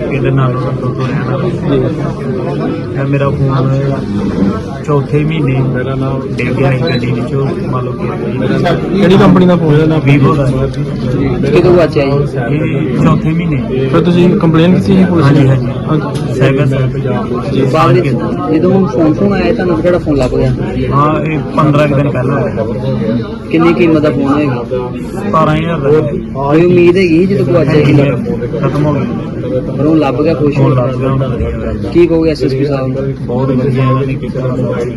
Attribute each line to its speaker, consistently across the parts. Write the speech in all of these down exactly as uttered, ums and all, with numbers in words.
Speaker 1: ਇਹਦੇ ਨਾਲ ਤੋਂ ਤੋਂ ਰਹਿਣਾ ਮੇਰਾ ਫੋਨ ਚੌਥੇ ਮਹੀਨੇ ਮੇਰਾ ਨਾਮ ਡਿੱਗ ਗਿਆ ਸੀ ਗੱਡੀ ਵਿੱਚੋਂ ਮੰਨ ਲਓ ਕਿ
Speaker 2: ਕਿਹੜੀ ਕੰਪਨੀ ਦਾ ਫੋਨ ਹੈ?
Speaker 1: ਵੀਵੋ ਦਾ
Speaker 3: ਕਿਦੋਂ ਵਾਚਿਆ ਜੀ?
Speaker 1: ਇਹ ਚੌਥੇ ਮਹੀਨੇ।
Speaker 2: ਫਿਰ ਤੁਸੀਂ ਕੰਪਲੇਨ ਕੀਤੀ ਸੀ ਪੁਲਿਸ
Speaker 1: ਹਾਂਜੀ
Speaker 2: ਨੂੰ?
Speaker 1: ਹਾਂਜੀ ਸਾਈਬਰ
Speaker 3: ਬਾਅਦ ਵਿੱਚ ਜਦੋਂ ਹੁਣ ਫੋਨ ਫੋਨ ਆਇਆ ਤੁਹਾਨੂੰ ਕਿਹੜਾ ਫੋਨ ਲੱਭ ਗਿਆ?
Speaker 1: ਹਾਂ ਇਹ ਪੰਦਰਾਂ ਕੁ ਦਿਨ ਪਹਿਲਾਂ ਹੋਇਆ।
Speaker 3: ਕਿੰਨੀ ਕੀਮਤ ਦਾ ਫੋਨ ਹੋਏਗਾ?
Speaker 1: ਸਤਾਰਾਂ ਹਜ਼ਾਰ ਦਾ
Speaker 3: ਕੋਈ ਉਮੀਦ ਹੈਗੀ ਜਦੋਂ ਗਵਾਚਿਆ ਸੀ?
Speaker 1: ਖਤਮ ਹੋ ਗਿਆ
Speaker 3: ਪਰ ਉਹ ਲੱਭ ਗਿਆ, ਖੁਸ਼
Speaker 1: ਫੋਨ ਲੱਗ ਗਿਆ ਹੁਣ।
Speaker 3: ਕੀ ਕਹੋਗੇ ਐਸਐਸਪੀ ਸਾਹਿਬ ਨੂੰ?
Speaker 1: ਬਹੁਤ ਵਧੀਆ ਇਹਨਾਂ ਨੇ ਕੀਤਾ।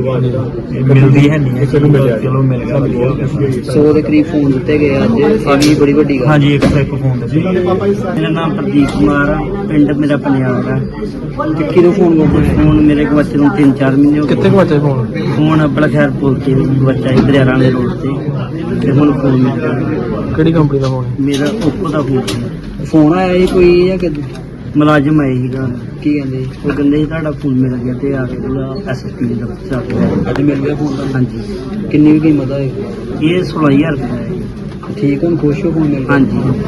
Speaker 1: ਮਿਲਦੀ ਹੈ ਨਹੀਂ ਚਲੋ ਮਿਲ ਗਿਆ ਵਧੀਆ ਹੋ ਗਿਆ।
Speaker 3: ਸੌ ਦੇ ਕਰੀਬ ਫੋਨ ਦਿੱਤੇ ਗਏ ਅੱਜ, ਇਹ ਵੀ ਬੜੀ ਵੱਡੀ ਗੱਲ।
Speaker 1: ਹਾਂਜੀ ਇੱਕ ਇੱਕ ਫੋਨ ਦੇ ਸੀ।
Speaker 4: ਮੇਰਾ ਨਾਮ ਪ੍ਰਦੀਪ ਕੁਮਾਰ ਆ, ਪਿੰਡ ਮੇਰਾ ਪੰਜਾਬ ਆ।
Speaker 3: ਤੇ ਕਿਹਦੋਂ ਫੋਨ ਗਵਾਚਿਆ?
Speaker 4: ਫੋਨ ਮੇਰੇ ਕੋਲ ਬੱਚੇ ਨੂੰ ਤਿੰਨ ਚਾਰ ਮਹੀਨੇ ਹੋ
Speaker 2: ਕਿੱਥੇ ਗਵਾਚਿਆ ਫੋਨ?
Speaker 4: ਫੋਨ ਆਪਣਾ ਖੈਰ ਪੁੱਲ ਤੇ ਬੱਚਾ ਇਧਰ ਵਾਲੇ ਰੋਡ ਤੇ ਤੇ ਹੁਣ ਫੋਨ ਮਿਲ ਗਿਆ।
Speaker 2: ਕਿਹੜੀ ਕੰਪਨੀ ਦਾ ਫੋਨ ਹੈ?
Speaker 4: ਮੇਰਾ ਓਪੋ ਦਾ ਫੋਨ ਸੀ।
Speaker 3: ਫੋਨ ਆਇਆ ਸੀ ਕੋਈ ਜਾਂ ਕਿੱਦਾਂ?
Speaker 4: ਮੁਲਾਜ਼ਮ ਆਏ ਸੀਗਾ,
Speaker 3: ਕੀ ਕਹਿੰਦੇ?
Speaker 4: ਉਹ ਕਹਿੰਦੇ ਸੀ ਤੁਹਾਡਾ ਫੋਨ ਮਿਲ ਗਿਆ ਤੇ ਆ ਕੇ ਉਹਦਾ ਐਸਐਸਪੀ ਦਾ ਦਫ਼ਤਰ ਆ ਗਿਆ।
Speaker 3: ਅੱਜ ਮਿਲ ਗਿਆ ਫੋਨ ਦਾ?
Speaker 4: ਹਾਂਜੀ
Speaker 3: ਕਿੰਨੀ ਵੀ ਕੀਮਤ ਹੋਏਗੀ?
Speaker 4: ਇਹ ਸੋਲਾਂ ਹਜ਼ਾਰ ਰੁਪਏ ਦਾ ਹੈ।
Speaker 3: ਠੀਕ ਹੁਣ ਖੁਸ਼ ਹੋ ਫੋਨ ਮਿਲ ਗਿਆ?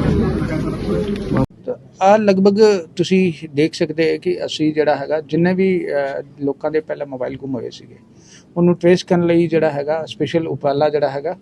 Speaker 4: ਹਾਂਜੀ
Speaker 5: ਆ ਲਗਭਗ ਤੁਸੀਂ ਦੇਖ ਸਕਦੇ ਹੋ ਕਿ ਅਸੀਂ ਜਿਹੜਾ ਹੈਗਾ ਜਿੰਨੇ ਵੀ ਲੋਕਾਂ ਦੇ ਪਹਿਲਾਂ ਮੋਬਾਈਲ ਗੁੰਮ ਹੋਏ ਸੀਗੇ ਉਹਨੂੰ ਟ੍ਰੇਸ ਕਰਨ ਲਈ ਜਿਹੜਾ ਹੈਗਾ ਸਪੈਸ਼ਲ ਉਪਰਾਲਾ ਜਿਹੜਾ ਹੈਗਾ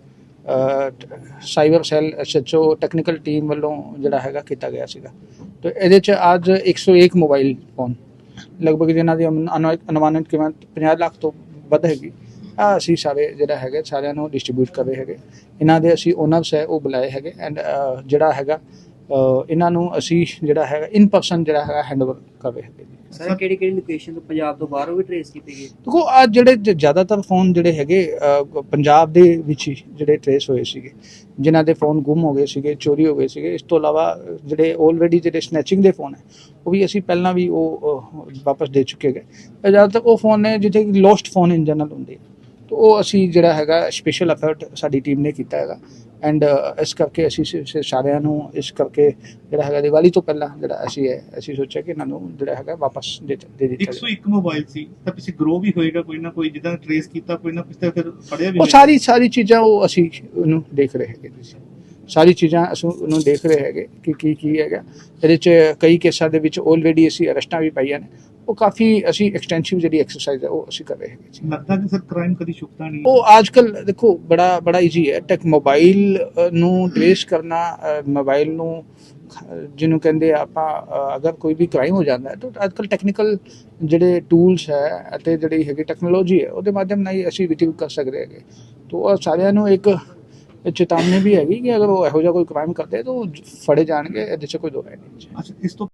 Speaker 5: cyber cell SHO technical team ਵੱਲੋਂ ਜਿਹੜਾ ਹੈਗਾ ਕੀਤਾ ਗਿਆ ਸੀਗਾ। ਤੇ ਇਹਦੇ 'ਚ ਅੱਜ ਇੱਕ ਸੌ ਇੱਕ ਮੋਬਾਈਲ ਫੋਨ ਲਗਭਗ ਜਿਨ੍ਹਾਂ ਦੀ ਅਨੁਮਾਨਿਤ ਕੀਮਤ ਪੰਜਾਹ ਲੱਖ ਤੋਂ ਵੱਧ ਹੈਗੀ ਆ ਅਸੀਂ ਸਾਰੇ ਜਿਹੜਾ ਹੈਗੇ ਸਾਰਿਆਂ ਨੂੰ ਡਿਸਟਰੀਬਿਊਟ ਕਰ ਰਹੇ ਹੈਗੇ। ਇਹਨਾਂ ਦੇ ਅਸੀਂ ਓਨਰਸ ਹੈ ਉਹ ਬੁਲਾਏ ਹੈਗੇ ਐਂਡ ਜਿਹੜਾ ਹੈਗਾ ਇਹਨਾਂ ਨੂੰ ਅਸੀਂ ਜਿਹੜਾ ਹੈਗਾ ਇਨ ਪਰਸਨ ਜਿਹੜਾ ਹੈਗਾ ਹੈਂਡਓਵਰ ਕਰ ਰਹੇ ਹੈਗੇ।
Speaker 3: ਸਰ ਕਿਹੜੀ ਕਿਹੜੀ ਲੋਕੇਸ਼ਨ ਤੋਂ ਪੰਜਾਬ ਤੋਂ ਬਾਹਰੋਂ ਵੀ ਟ੍ਰੇਸ ਕੀਤੇ ਗਏ?
Speaker 5: ਦੇਖੋ ਆ ਜਿਹੜੇ ਜ਼ਿਆਦਾਤਰ ਫੋਨ ਜਿਹੜੇ ਹੈਗੇ ਪੰਜਾਬ ਦੇ ਵਿੱਚ ਹੀ ਜਿਹੜੇ ਟ੍ਰੇਸ ਹੋਏ ਸੀਗੇ, ਜਿਨ੍ਹਾਂ ਦੇ ਫੋਨ ਗੁੰਮ ਹੋ ਗਏ ਸੀਗੇ, ਚੋਰੀ ਹੋ ਗਏ ਸੀਗੇ। ਇਸ ਤੋਂ ਇਲਾਵਾ ਜਿਹੜੇ ਆਲਰੇਡੀ ਜਿਹੜੇ ਸਨੈਚਿੰਗ ਦੇ ਫੋਨ ਹੈ ਉਹ ਵੀ ਅਸੀਂ ਪਹਿਲਾਂ ਵੀ ਉਹ ਵਾਪਸ ਦੇ ਚੁੱਕੇ ਗਏ। ਜ਼ਿਆਦਾਤਰ ਉਹ ਫੋਨ ਨੇ ਜਿੱਥੇ ਲੋਸਟ ਫੋਨ ਇਨ ਜਨਰਲ ਹੁੰਦੇ ਤਾਂ ਉਹ ਅਸੀਂ ਜਿਹੜਾ ਹੈਗਾ ਸਪੈਸ਼ਲ ਐਫਰਟ ਸਾਡੀ ਟੀਮ ਨੇ ਕੀਤਾ ਹੈਗਾ ਐਂਡ ਇਸ ਕਰਕੇ ਅਸੀਂ ਸਾਰਿਆਂ ਨੂੰ ਇਸ ਕਰਕੇ ਜਿਹੜਾ ਹੈਗਾ ਦੀਵਾਲੀ ਤੋਂ ਪਹਿਲਾਂ ਜਿਹੜਾ ਅਸੀਂ ਹੈ ਅਸੀਂ ਸੋਚਿਆ ਕਿ ਇਹਨਾਂ ਨੂੰ ਜਿਹੜਾ ਹੈਗਾ ਵਾਪਸ ਦੇ ਦੇ ਦਿੱਤਾ।
Speaker 6: ਇੱਕ ਸੌ ਇੱਕ ਮੋਬਾਈਲ ਸੀ ਤਾਂ ਪਿੱਛੇ ਗਰੋ ਵੀ ਹੋਏਗਾ ਕੋਈ ਨਾ ਕੋਈ, ਜਿੱਦਾਂ ਟ੍ਰੇਸ ਕੀਤਾ ਕੋਈ ਨਾ ਪਿੱਛੇ ਫਿਰ ਫੜਿਆ ਵੀ
Speaker 5: ਉਹ ਸਾਰੀ ਸਾਰੀ ਚੀਜ਼ਾਂ ਉਹ ਅਸੀਂ ਉਹਨੂੰ ਦੇਖ ਰਹੇ ਹੈਗੇ। ਤੁਸੀਂ ਸਾਰੀ ਚੀਜ਼ਾਂ ਅਸੀਂ ਉਹਨੂੰ ਦੇਖ ਰਹੇ ਹੈਗੇ ਕਿ ਕੀ ਕੀ ਹੈਗਾ ਇਹਦੇ 'ਚ। ਕਈ ਕੇਸਾਂ ਦੇ ਵਿੱਚ ਆਲਰੇਡੀ ਅਸੀਂ ਅਰੈਸਟਾਂ ਵੀ ਪਾਈਆਂ ਨੇ। ਉਹ ਕਾਫੀ ਅਸੀਂ ਐਕਸਟੈਂਸਿਵ ਜਿਹੜੀ ਐਕਸਰਸਾਈਜ਼ ਹੈ ਉਹ ਅਸੀਂ ਕਰ ਰਹੇ ਹੈਗੇ ਜੀ।
Speaker 6: ਲੱਗਦਾ ਕਿ ਸਰ ਕ੍ਰਾਈਮ ਕਦੀ ਛੁਪਦਾ ਨਹੀਂ।
Speaker 5: ਉਹ ਅੱਜ ਕੱਲ੍ਹ ਦੇਖੋ ਬੜਾ ਬੜਾ ਈਜ਼ੀ ਹੈ। ਟੈਕ ਮੋਬਾਈਲ ਨੂੰ ਟ੍ਰੇਸ ਕਰਨਾ, ਮੋਬਾਈਲ ਨੂੰ ਜਿਹਨੂੰ ਕਹਿੰਦੇ ਆਪਾਂ ਅਗਰ ਕੋਈ ਵੀ ਕ੍ਰਾਈਮ ਹੋ ਜਾਂਦਾ ਹੈ ਤਾਂ ਅੱਜ ਕੱਲ੍ਹ ਟੈਕਨੀਕਲ ਜਿਹੜੇ ਟੂਲਸ ਹੈ ਅਤੇ ਜਿਹੜੀ ਹੈਗੀ ਟੈਕਨੋਲੋਜੀ ਹੈ ਉਹਦੇ ਮਾਧਿਅਮ ਨਾਲ ਹੀ ਅਸੀਂ ਰਿਟਰੀਵ ਕਰ ਸਕਦੇ ਹੈਗੇ। ਤਾਂ ਉਹ ਸਾਰਿਆਂ ਨੂੰ ਇੱਕ ਚੇਤਾਵਨੀ ਵੀ ਹੈਗੀ ਕਿ ਅਗਰ ਉਹ ਇਹੋ ਜਿਹਾ ਕੋਈ ਕ੍ਰਾਈਮ ਕਰਦੇ ਤਾਂ ਉਹ ਫੜੇ ਜਾਣਗੇ। ਇਹਦੇ 'ਚ ਕੋਈ ਦੋ ਰਾਏ ਨਹੀਂ।
Speaker 6: ਅੱਛਾ ਇਸ ਤੋਂ